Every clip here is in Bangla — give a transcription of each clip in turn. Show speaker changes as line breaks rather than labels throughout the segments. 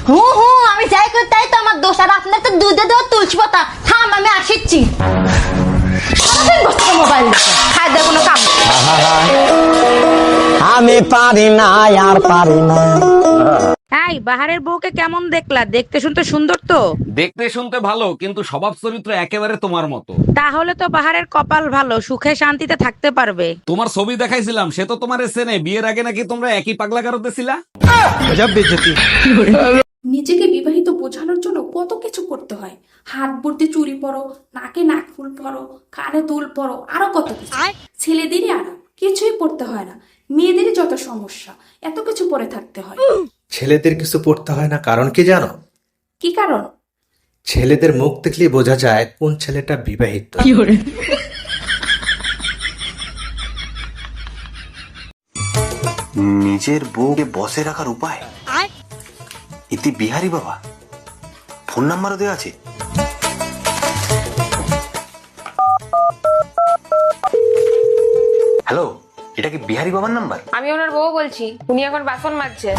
হু হু, আমি যাই করি তাই তো আমার দোষ। আর আপনার তো দুধে দেওয়া তুলসী পাতা। থাম, আমি আসিচ্ছি। সারাদিন বসে মোবাইল দেখে, খাই দেয় কোনো কাম নেই।
আমি পারি না, আর পারি না।
এই বাহারের বউকে কেমন দেখলা? দেখতে শুনতে সুন্দর তো?
দেখতে শুনতে ভালো, কিন্তু স্বভাব চরিত্র একেবারে তোমার মতো।
তাহলে তো বাহারের কপাল ভালো, সুখে শান্তিতে থাকতে পারবে।
তোমার ছবি দেখাইছিলাম, সে তো তোমার চেনে। বিয়ের আগে নাকি তোমরা একই পাগলা গারদে ছিলা।
নিজেকে বিবাহিত বোঝানোর জন্য কত কিছু করতে হয়। হাত ভর্তি চুড়ি পরো, নাকে নাক ফুল পরো, কানে দুল পরো, আরো কত কিছু। ছেলেদেরই আরাম, কিছুই পড়তে হয় না। মেয়েদেরই যত সমস্যা, এত কিছু পরে থাকতে হয়।
ছেলেদের কিছু পড়তে হয় না, কারণ কি জানো?
কি কারণ?
ছেলেদের মুখ দেখলেই বোঝা যায় কোন ছেলেটা বিবাহিত।
নিজের বউকে বসে রাখার উপায় ইতি বিহারি বাবা। ফোন নাম্বারও দেওয়া আছে। হ্যালো, এটা কি বিহারি বাবার নাম্বার?
আমি ওনার বউ বলছি, উনি এখন বাসন মাজছে।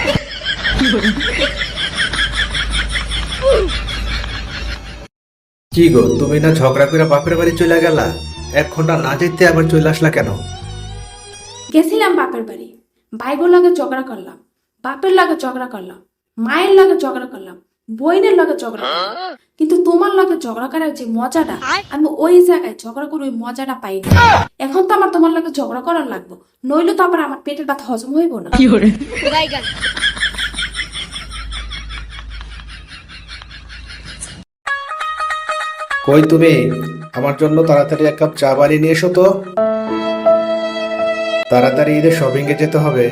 কি গো, তুমি না ঝগড়া করে বাপের বাড়ি চলে গেলা? 1 ঘন্টা না যেতে আবার চলে আসলা কেন?
গেছিলাম বাপের বাড়ি, ভাইবোর লাগে ঝগড়া করলাম, বাপের লাগে ঝগড়া করলাম, মায়ের লাগে ঝগড়া করলাম, বইনের লাগে ঝগড়া করলাম। কিন্তু তোমার লাগে ঝগড়া করার যে মজাটা, আমি ওই জায়গায় ঝগড়া করে ওই মজাটা পাইনি। এখন তো আমার তোমার লাগে ঝগড়া করার লাগবো, নইলে তো আবার আমার পেটের ভাত হজম হইব না।
কই তুমি? আমার জন্য তাড়াতাড়ি 1 কাপ চা বানিয়ে নিয়ে এসো তো। তাড়াতাড়ি ঈদের শপিং এ যেতে হবে।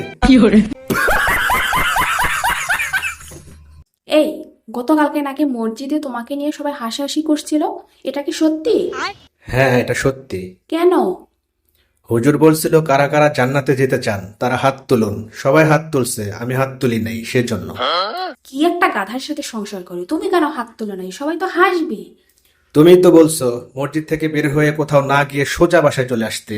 এই গতকালকে নাকি মসজিদে তোমাকে নিয়ে সবাই হাসাহাসি করছিল, এটা কি সত্যি?
হ্যাঁ, এটা সত্যি।
কেন?
হুজুর বলছিল কারা কারা জান্নাতে যেতে চান তারা হাত তুলুন। সবাই হাত তুলছে, আমি হাত তুলি নাই, সেজন্য।
কি একটা গাধার সাথে সংসার করি, তুমি কেন হাত তুলে নাই? সবাই তো হাসবে।
তুমি তো বলছো মসজিদ থেকে বের হয়ে কোথাও না গিয়ে সোজা বাসায় চলে আসতে।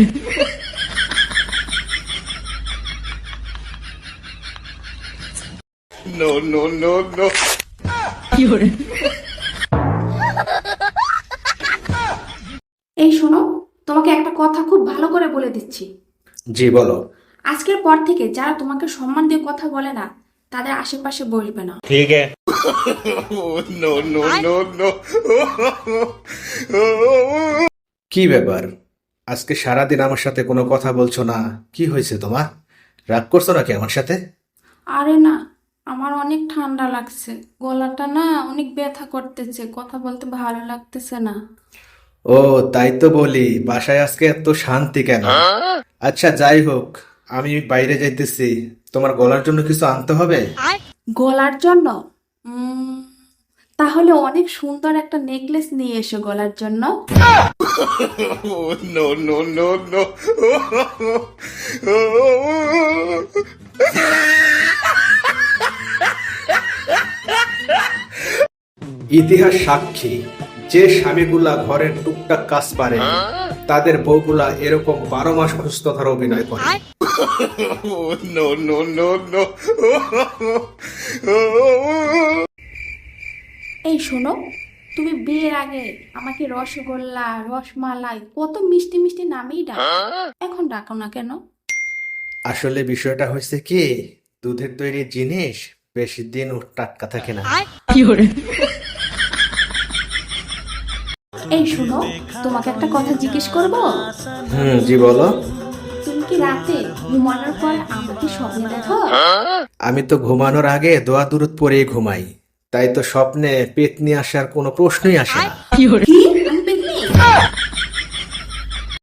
এই শোনো, তোমাকে একটা কথা খুব ভালো করে বলে দিচ্ছি।
জি বলো।
আজকের পর থেকে যারা তোমাকে সম্মান দিয়ে কথা বলে না, তাদের আশেপাশে বসবে না।
ঠিক আছে। কি ব্যাপার, আজকে সারাদিন আমার সাথে কোনো কথা বলছো না? কি হয়েছে তোমার? রাগ করছো নাকি আমার সাথে?
আরে না, আমার অনেক ঠান্ডা লাগছে, গলাটা না অনেক ব্যথা করতেছে, কথা বলতে ভালো লাগতেছে না।
ও তাই তো বলি, বাসায় আজকে এত শান্তি কেন? আচ্ছা যাই হোক, আমি বাইরে যাইতেছি, তোমার গলার জন্য কিছু আনতে হবে।
গলার জন্য? তাহলে অনেক সুন্দর একটা নেকলেস নিয়ে এসো গলার জন্য।
ইতিহাস সাক্ষী, যে স্বামীগুলা ঘরের টুকটাক কাজ পারে তাদের বউগুলা এরকম 12 মাস অসুস্থতার অভিনয় করে।
এই শোনো, তুমি বিয়ের আগে আমাকে রসগোল্লা, রসমালাই কত মিষ্টি মিষ্টি নামেই ডাকো, এখন ডাকো না কেন?
আসলে বিষয়টা হয়েছে কি, দুধের তৈরি জিনিস বেশি দিন টাটকা থাকে না।
এই শোনো, তোমাকে একটা কথা জিজ্ঞেস করবো?
জি বলো।
তুমি কি রাতে ঘুমানোর পর আমাকে স্বপ্নে দেখো?
আমি তো ঘুমানোর আগে দোয়া দুরুদ পড়েই ঘুমাই, তাই তো স্বপ্নে পেতনি আসার কোনো প্রশ্নই আসে না।
কি? আমি পেতনি?